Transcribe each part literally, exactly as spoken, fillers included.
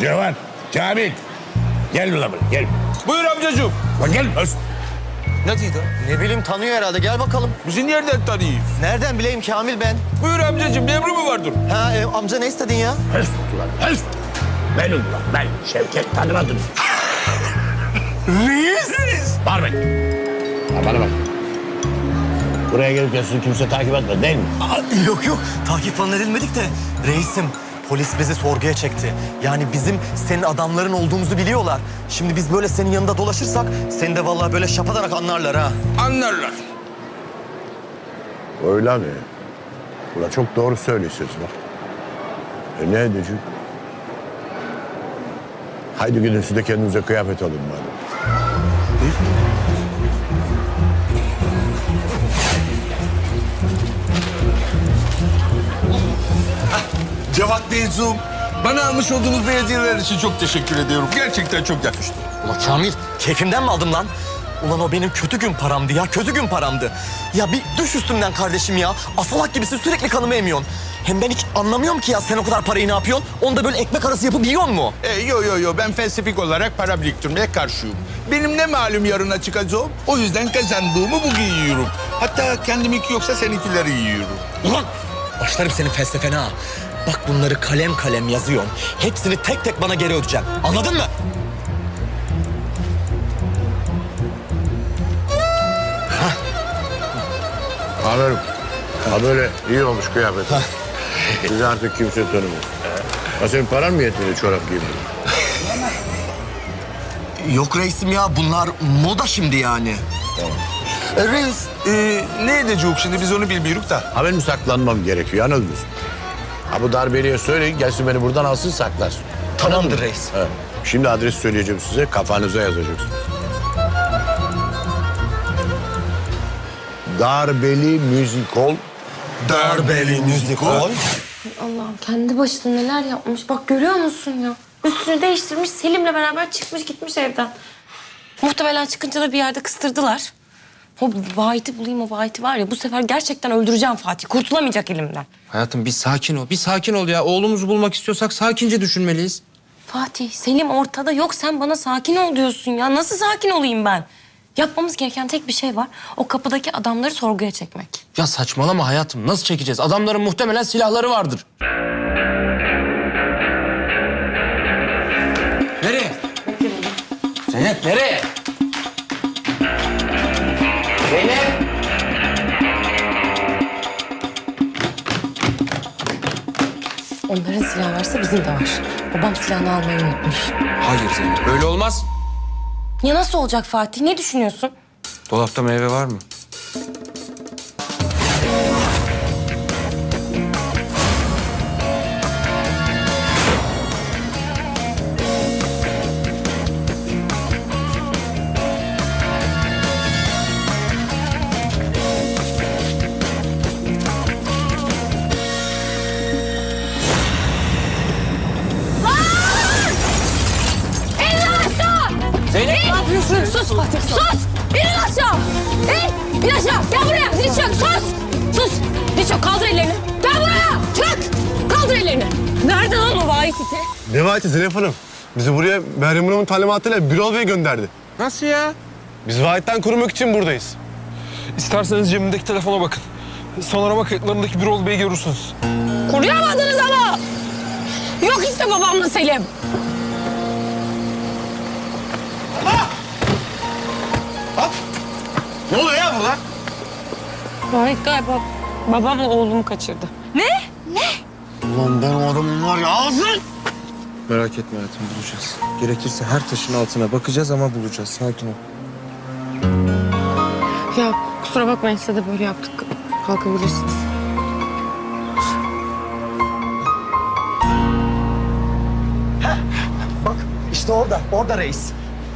Cevan, Kamil. Gel ulan buraya, gel. Buyur amcacığım. Bak gel. Öz. Ne diyor? Ne bileyim tanıyor herhalde. Gel bakalım. Bizi nereden tanıyor? Nereden bileyim Kamil ben? Buyur amcacığım, emri mi vardır? Ha e, amca ne istedin ya? Öz ulan, öz. Ben ulan, ben Şevket tanımadım. Reis. Bağırmayın. Ha, bana bak. Buraya gelip sizi kimse takip etmedi değil mi? Aa, yok yok takip falan edilmedik de reisim polis bizi sorguya çekti. Yani bizim senin adamların olduğumuzu biliyorlar. Şimdi biz böyle senin yanında dolaşırsak seni de vallahi böyle şapadanak anlarlar ha. Anlarlar. Öyle mi? Ulan çok doğru söylüyorsunuz bak. E ne edeceğim? Haydi gidin siz de kendinize kıyafet alın madem. Cevat Beyzoom, bana almış olduğunuz belediyeler için çok teşekkür ediyorum. Gerçekten çok yakıştı. Ulan Kamil keyfimden mi aldım lan? Ulan o benim kötü gün paramdı ya, kötü gün paramdı. Ya bir düş üstümden kardeşim ya. Asalak gibisin sürekli kanımı emiyorsun. Hem ben hiç anlamıyorum ki ya sen o kadar parayı ne yapıyorsun? Onu da böyle ekmek arası yapıp yiyor mu? E, yo yo yo, ben felsefik olarak para biriktirmeye karşıyım. Benim ne malum yarına çıkacağım, o yüzden kazandığımı bugün yiyorum. Hatta kendiminki yoksa seninkileri yiyorum. Ulan başlarım senin felsefene ha. Bak bunları kalem kalem yazıyorum. Hepsini tek tek bana geri ödeyeceksin. Anladın mı? Amirim. Ha böyle iyi olmuş kıyafet. Sizi artık kimse tanımıyor. Ha senin paran mı yetmedi çorap giymeye? Yok reisim ya bunlar moda şimdi yani. E, reis, e, ne edeceğiz şimdi, biz onu bilmiyoruz da. Ha benim saklanmam gerekiyor anladınız mı? Ha bu darbeliye söyleyin gelsin beni buradan alsın saklasın. Tamamdır reis. Ha. Şimdi adres söyleyeceğim size kafanıza yazacaksınız. Darbeli Müzik Hall. Darbeli müzik hol. Allah'ım kendi başına neler yapmış. Bak görüyor musun ya? Üstünü değiştirmiş Selim'le beraber çıkmış gitmiş evden. Muhtemelen çıkınca da bir yerde kıstırdılar. O Vahit'i bulayım o Vahit'i var ya bu sefer gerçekten öldüreceğim Fatih. Kurtulamayacak elimden. Hayatım bir sakin ol. Bir sakin ol ya. Oğlumuzu bulmak istiyorsak sakince düşünmeliyiz. Fatih Selim ortada yok sen bana sakin ol diyorsun ya. Nasıl sakin olayım ben? Yapmamız gereken tek bir şey var. O kapıdaki adamları sorguya çekmek. Ya saçmalama hayatım. Nasıl çekeceğiz? Adamların muhtemelen silahları vardır. Nereye? Zeynep nereye? Zeynep! Onların silahı varsa bizim de var. Babam silahını almayı unutmuş. Hayır Zeynep. Öyle olmaz. Ya nasıl olacak Fatih? Ne düşünüyorsun? Dolapta meyve var mı? Zeynep ne yapıyorsun? Sus Fatih sus! İnin aşağı! İn! İn aşağı! Gel buraya! Diz çök! Sus! Sus! Diz çök! Kaldır ellerini! Gel buraya! Çök! Kaldır ellerini! Nerede lan o vahit iti? Ne vaati Zeynep Hanım? Bizi buraya Meryem Hanım'ın talimatıyla Birol Bey gönderdi. Nasıl ya? Biz vahitten korumak için buradayız. İsterseniz cebimdeki telefona bakın. Sonrama kayıtlarındaki Birol Bey'i görürsünüz. Koruyamadınız ama! Yok işte babamla Selim. Ne oluyor ya burada? Vahit galiba babamla oğlumu kaçırdı. Ne? Ne? Ulan ben o adamın var ya ağzın! Merak etme hayatım bulacağız. Gerekirse her taşın altına bakacağız ama bulacağız. Sakin ol. Ya kusura bakmayın size de böyle yaptık. Kalkabilirsiniz. Bak işte orada, orada reis.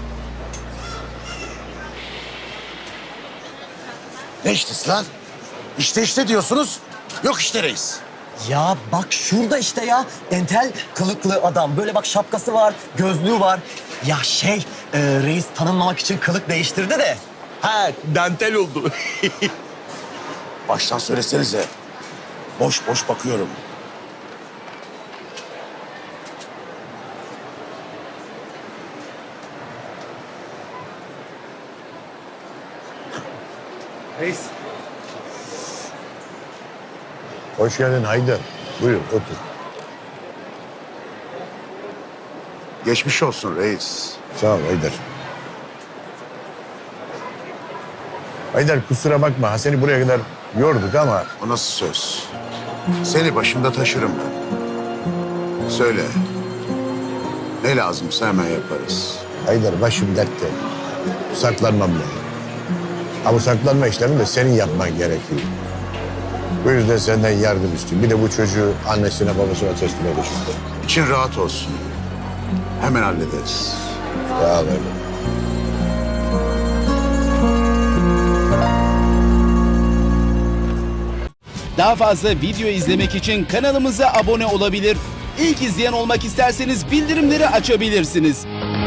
Ne iştesi lan? İşte işte diyorsunuz. Yok işte reis. Ya bak şurada işte ya. Entel kılıklı adam. Böyle bak şapkası var, gözlüğü var. Ya şey, e, reis tanınmamak için kılık değiştirdi de. Ha, dantel oldu. Baştan söylesenize. Boş boş bakıyorum. Reis. Hoş geldin Haydar. Buyur otur. Geçmiş olsun reis. Sağ ol Haydar. Haydar kusura bakma. Seni buraya kadar yorduk ama... O nasıl söz? Seni başımda taşırım ben. Söyle. Ne lazımsa hemen yaparız. Haydar başım dertte. Saklanmam lazım. Ama bu saklanma işlemini de senin yapman gerekiyor. Bu yüzden senden yardım istiyorum. Bir de bu çocuğu annesine babasına teslim edeceğim. İçin rahat olsun. Hemen hallederiz. Sağ ol Haydar. Daha fazla video izlemek için kanalımıza abone olabilir. İlk izleyen olmak isterseniz bildirimleri açabilirsiniz.